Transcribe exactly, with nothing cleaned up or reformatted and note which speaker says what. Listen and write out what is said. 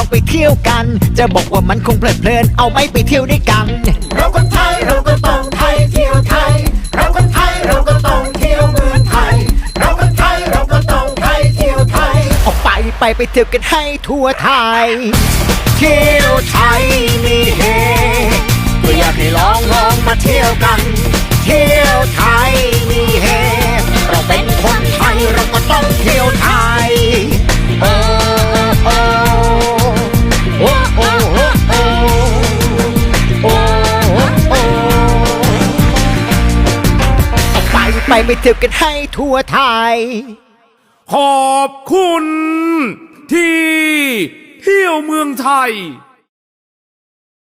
Speaker 1: ไปเที่ยวกันจะบอกว่ามันคงเพลิดเพลินเอาไม่ไปเที่ยวด้วยกันเราคนไทยเราก็ต้องไทยเที่ยวไทยเราคนไทยเราก็ต้องเที่ยวเมืองไทยเราคนไทยเราก็ต้องไทยเที่ยวไทยออกไปไปไปเที่ยวกันให้ทั่วไทยเที่ยวไทยมีเฮก็อยากให้ลองลองมาเที่ยวกันเที่ยวไทยมีเฮเราเป็นคนไทยเราก็ต้องเที่ยวไทยโอ้โอ้โอ้โอ้โอ้โอ้โอ้โอ้เอาไปไปไปเที่ยวกันให้ทั่วไทย
Speaker 2: ขอบคุณที่เที่ยวเมืองไทย